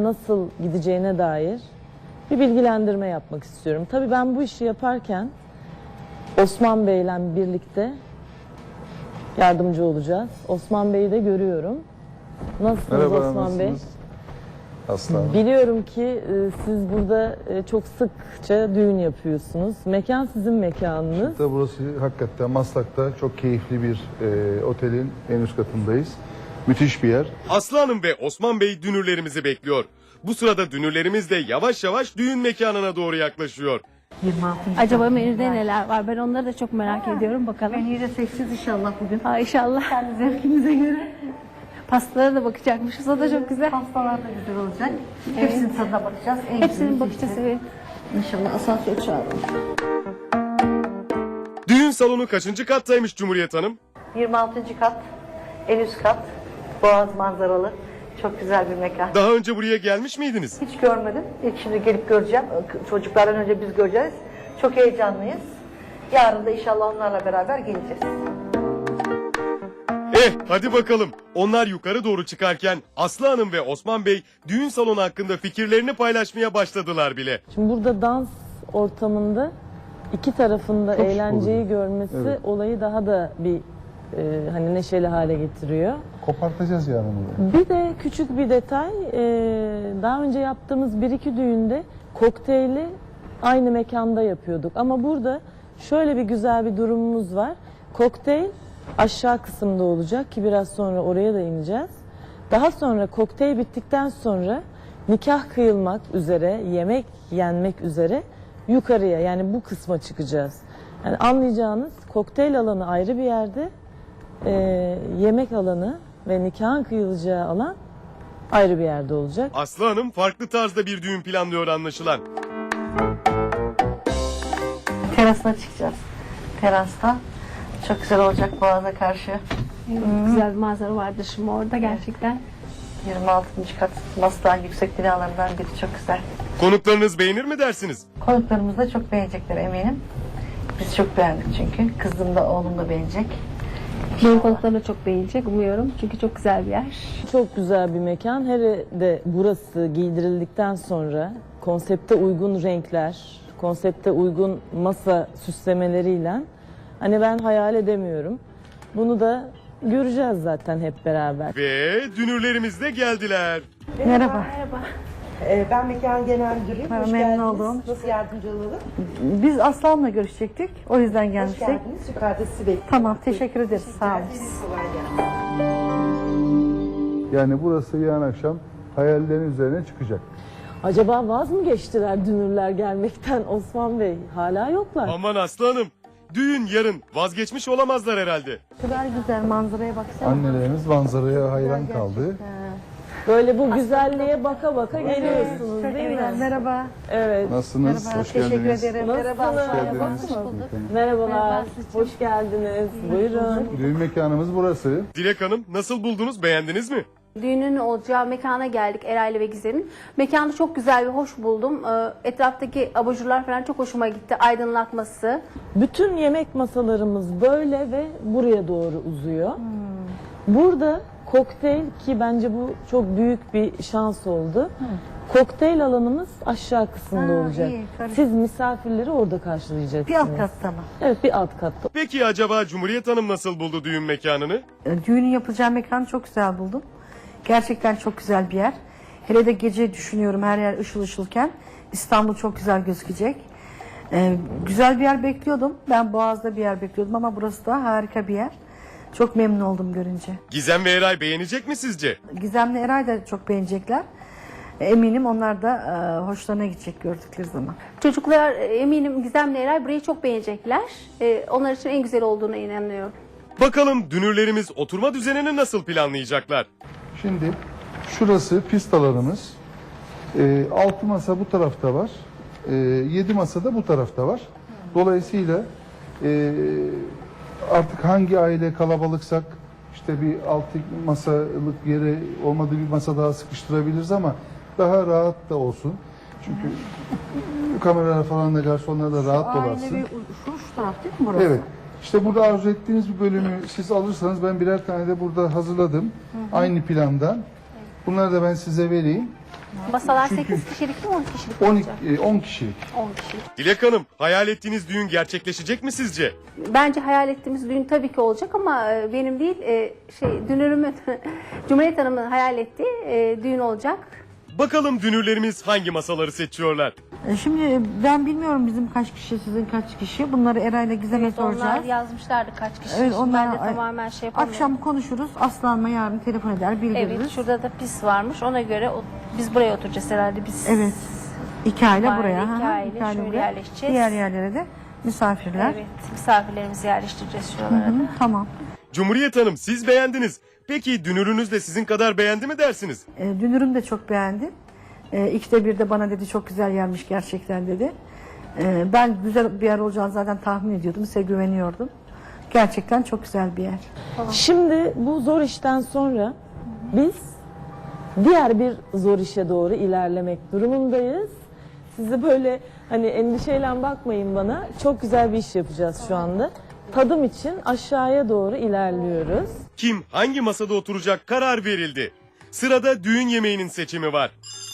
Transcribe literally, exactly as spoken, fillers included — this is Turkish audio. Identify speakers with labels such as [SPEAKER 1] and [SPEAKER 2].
[SPEAKER 1] nasıl gideceğine dair bir bilgilendirme yapmak istiyorum. Tabii ben bu işi yaparken Osman Bey'le birlikte yardımcı olacağız. Osman Bey'i de görüyorum. Nasılsınız
[SPEAKER 2] Merhaba,
[SPEAKER 1] Osman
[SPEAKER 2] nasılsınız?
[SPEAKER 1] Bey?
[SPEAKER 2] Aslan.
[SPEAKER 1] Biliyorum ki e, siz burada e, çok sıkça düğün yapıyorsunuz. Mekan sizin mekanınız.
[SPEAKER 2] Tabii burası hakikaten Maslak'ta çok keyifli bir e, otelin en üst katındayız. Müthiş bir yer.
[SPEAKER 3] Aslı Hanım ve Osman Bey dünürlerimizi bekliyor. Bu sırada dünürlerimiz de yavaş yavaş düğün mekanına doğru yaklaşıyor.
[SPEAKER 4] Acaba menüde neler var? Ben onları da çok merak ediyorum. Bakalım.
[SPEAKER 5] Menüyü de seçeceğiz inşallah bugün.
[SPEAKER 4] Ha, inşallah.
[SPEAKER 5] Kendi zevkimize göre.
[SPEAKER 4] Pastalara da bakacakmışız. O da çok güzel.
[SPEAKER 5] Pastalar da güzel olacak. Hepsinin tadına bakacağız. En
[SPEAKER 4] Hepsinin
[SPEAKER 5] güzeli
[SPEAKER 4] bakacağız,
[SPEAKER 5] seçeceğiz.
[SPEAKER 4] evet.
[SPEAKER 5] İnşallah asansör çağıralım.
[SPEAKER 3] Düğün salonu kaçıncı kattaymış Cumhuriyet Hanım?
[SPEAKER 5] yirmi altıncı kat, en üst kat. Boğaz manzaralı. Çok güzel bir mekan.
[SPEAKER 3] Daha önce buraya gelmiş miydiniz?
[SPEAKER 5] Hiç görmedim. İlk şimdi gelip göreceğim. Çocuklardan önce biz göreceğiz. Çok heyecanlıyız. Yarın da inşallah onlarla beraber geleceğiz.
[SPEAKER 3] Eh hadi bakalım. Onlar yukarı doğru çıkarken Aslı Hanım ve Osman Bey düğün salonu hakkında fikirlerini paylaşmaya başladılar bile.
[SPEAKER 1] Şimdi burada dans ortamında iki tarafında
[SPEAKER 2] Çok şık
[SPEAKER 1] eğlenceyi
[SPEAKER 2] oluyor.
[SPEAKER 1] görmesi
[SPEAKER 2] Evet.
[SPEAKER 1] olayı daha da bir e, hani neşeli hale getiriyor.
[SPEAKER 2] Kopartacağız yani bunu.
[SPEAKER 1] Bir de küçük bir detay, e, daha önce yaptığımız bir iki düğünde kokteyli aynı mekanda yapıyorduk. Ama burada şöyle bir güzel bir durumumuz var. Kokteyl aşağı kısımda olacak ki biraz sonra oraya da ineceğiz. Daha sonra kokteyl bittikten sonra nikah kıyılmak üzere, yemek yenmek üzere yukarıya, yani bu kısma çıkacağız. Yani anlayacağınız kokteyl alanı ayrı bir yerde, e, yemek alanı ve nikahın kıyılacağı alan ayrı bir yerde olacak.
[SPEAKER 3] Aslı Hanım farklı tarzda bir düğün planlıyor anlaşılan.
[SPEAKER 5] Terasına çıkacağız. Terasta. Çok güzel olacak Boğaz'a karşı.
[SPEAKER 4] Güzel bir manzara vardır şimdi orada gerçekten.
[SPEAKER 5] yirmi altıncı kat Maslak'ın yüksek binalarından biri, çok güzel.
[SPEAKER 3] Konuklarınız beğenir mi dersiniz?
[SPEAKER 5] Konuklarımız da çok beğenecekler eminim. Biz çok beğendik çünkü. Kızım da oğlum da beğenecek.
[SPEAKER 4] Benim konuklarım da çok beğenecek umuyorum. Çünkü çok güzel bir yer.
[SPEAKER 1] Çok güzel bir mekan. Hele de burası giydirildikten sonra konsepte uygun renkler, konsepte uygun masa süslemeleriyle hani ben hayal edemiyorum. Bunu da göreceğiz zaten hep beraber.
[SPEAKER 3] Ve dünürlerimiz de geldiler.
[SPEAKER 5] Merhaba.
[SPEAKER 6] Ee, Ben mekan genel müdürüyüm.
[SPEAKER 5] Merhaba,
[SPEAKER 6] Hoş
[SPEAKER 5] memnun
[SPEAKER 6] geldiniz.
[SPEAKER 5] oldum.
[SPEAKER 6] Nasıl yardımcı olalım?
[SPEAKER 5] Biz Aslan'la görüşecektik. O yüzden
[SPEAKER 6] Hoş
[SPEAKER 5] gelmiştik.
[SPEAKER 6] geldiniz. Yukarıda sizi bekliyorum.
[SPEAKER 5] Tamam, teşekkür ederiz. Sağ olun.
[SPEAKER 6] Kolay gelsin.
[SPEAKER 2] Yani burası yarın akşam hayallerin üzerine çıkacak.
[SPEAKER 1] Acaba vaz mı geçtiler dünürler gelmekten Osman Bey? Hala yoklar.
[SPEAKER 3] Aman Aslı Hanım. Düğün yarın, vazgeçmiş olamazlar herhalde.
[SPEAKER 5] Şu kadar güzel manzaraya baksana.
[SPEAKER 2] Annelerimiz manzaraya hayran kaldı.
[SPEAKER 1] Böyle bu güzelliğe baka baka geliyorsunuz
[SPEAKER 5] Çok
[SPEAKER 1] değil
[SPEAKER 5] güzel.
[SPEAKER 1] mi?
[SPEAKER 5] Merhaba.
[SPEAKER 1] Evet.
[SPEAKER 2] Nasılsınız?
[SPEAKER 5] Merhaba.
[SPEAKER 2] Hoş
[SPEAKER 5] Teşekkür
[SPEAKER 2] geldiniz.
[SPEAKER 5] ederim.
[SPEAKER 1] Nasılsınız?
[SPEAKER 5] Merhaba.
[SPEAKER 2] Hoş geldiniz.
[SPEAKER 1] Merhabalar. Hoş geldiniz. Buyurun.
[SPEAKER 2] Düğün mekanımız burası.
[SPEAKER 3] Dilek Hanım nasıl buldunuz, beğendiniz mi?
[SPEAKER 4] Düğünün olacağı mekana geldik Eray'la ve Gizem'in. Mekanı çok güzel ve hoş buldum. Ee, Etraftaki abajurlar falan çok hoşuma gitti. Aydınlatması.
[SPEAKER 1] Bütün yemek masalarımız böyle ve buraya doğru uzuyor. Burada kokteyl, ki bence bu çok büyük bir şans oldu. Kokteyl alanımız aşağı kısımda
[SPEAKER 5] Ha,
[SPEAKER 1] olacak.
[SPEAKER 5] iyi, karışık.
[SPEAKER 1] Siz misafirleri orada karşılayacaksınız.
[SPEAKER 5] Bir alt katta mı?
[SPEAKER 1] Evet, bir alt katta.
[SPEAKER 3] Peki acaba Cumhuriyet Hanım nasıl buldu düğün mekanını?
[SPEAKER 5] E, Düğünün yapılacağı mekanı çok güzel buldum. Gerçekten çok güzel bir yer. Hele de gece düşünüyorum, her yer ışıl ışılken. İstanbul çok güzel gözükecek. Ee, güzel bir yer bekliyordum. Ben Boğaz'da bir yer bekliyordum ama burası da harika bir yer. Çok memnun oldum görünce.
[SPEAKER 3] Gizem ve Eray beğenecek mi sizce?
[SPEAKER 5] Gizem'le Eray da çok beğenecekler. E, Eminim onlar da e, hoşlarına gidecek gördükleri zaman.
[SPEAKER 4] Çocuklar e, eminim Gizem'le Eray burayı çok beğenecekler. Ee, onlar için en güzel olduğuna inanıyorum.
[SPEAKER 3] Bakalım dünürlerimiz oturma düzenini nasıl planlayacaklar?
[SPEAKER 2] Şimdi şurası pist alanımız. Ee, altı masa bu tarafta var. Ee, yedi masa da bu tarafta var. Dolayısıyla e, artık hangi aile kalabalıksak işte bir altı masalık yere olmadığı bir masa daha sıkıştırabiliriz ama daha rahat da olsun. Çünkü kameralar falan da garsonlar da rahat dolansın.
[SPEAKER 5] şu, şu taraf değil mi burası?
[SPEAKER 2] Evet. İşte burada arzu ettiğiniz bir bölümü siz alırsanız ben birer tane de burada hazırladım. Aynı plandan. Bunları da ben size vereyim.
[SPEAKER 4] Masalar
[SPEAKER 2] Çünkü-
[SPEAKER 4] sekiz kişilik mi on kişilik
[SPEAKER 2] on,
[SPEAKER 4] olacak?
[SPEAKER 2] e, on kişilik.
[SPEAKER 4] on kişilik.
[SPEAKER 3] Dilek Hanım, hayal ettiğiniz düğün gerçekleşecek mi sizce?
[SPEAKER 4] Bence hayal ettiğimiz düğün tabii ki olacak ama e, benim değil e, şey dünürümün Cumhuriyet Hanım'ın hayal ettiği e, düğün olacak.
[SPEAKER 3] Bakalım dünürlerimiz hangi masaları seçiyorlar?
[SPEAKER 5] E, Şimdi ben bilmiyorum bizim kaç kişi, sizin kaç kişi. Bunları Eray'la Gizem'e
[SPEAKER 4] Evet, onlar
[SPEAKER 5] soracağız.
[SPEAKER 4] yazmışlardı kaç kişi.
[SPEAKER 5] Evet,
[SPEAKER 4] Şimdi
[SPEAKER 5] onlar
[SPEAKER 4] ben de tamamen şey yapamıyorum.
[SPEAKER 5] akşam konuşuruz. Aslan'la yarın telefon eder, bildiririz.
[SPEAKER 4] Evet, şurada da pis varmış. Ona göre o- biz buraya oturacağız herhalde. Biz
[SPEAKER 5] Evet. İki aile
[SPEAKER 4] Aile,
[SPEAKER 5] buraya.
[SPEAKER 4] iki
[SPEAKER 5] hı hı,
[SPEAKER 4] aile
[SPEAKER 5] iki aile
[SPEAKER 4] şöyle
[SPEAKER 5] buraya.
[SPEAKER 4] yerleşeceğiz.
[SPEAKER 5] Diğer yerlere de misafirler.
[SPEAKER 4] Evet, misafirlerimizi yerleştireceğiz şuralara
[SPEAKER 5] Hı,
[SPEAKER 4] da.
[SPEAKER 5] tamam.
[SPEAKER 3] Cumhuriyet Hanım, siz beğendiniz. Peki dünürünüz de sizin kadar beğendi mi dersiniz?
[SPEAKER 5] E, dünürüm de çok beğendi. E, ikide bir de bana dedi çok güzel yermiş gerçekten dedi. E, ben güzel bir yer olacağını zaten tahmin ediyordum. Size güveniyordum. Gerçekten çok güzel bir yer.
[SPEAKER 1] Şimdi bu zor işten sonra biz diğer bir zor işe doğru ilerlemek durumundayız. Sizi böyle hani endişeyle bakmayın bana. Çok güzel bir iş yapacağız şu anda. Tadım için aşağıya doğru ilerliyoruz.
[SPEAKER 3] Kim hangi masada oturacak karar verildi. Sırada düğün yemeğinin seçimi var.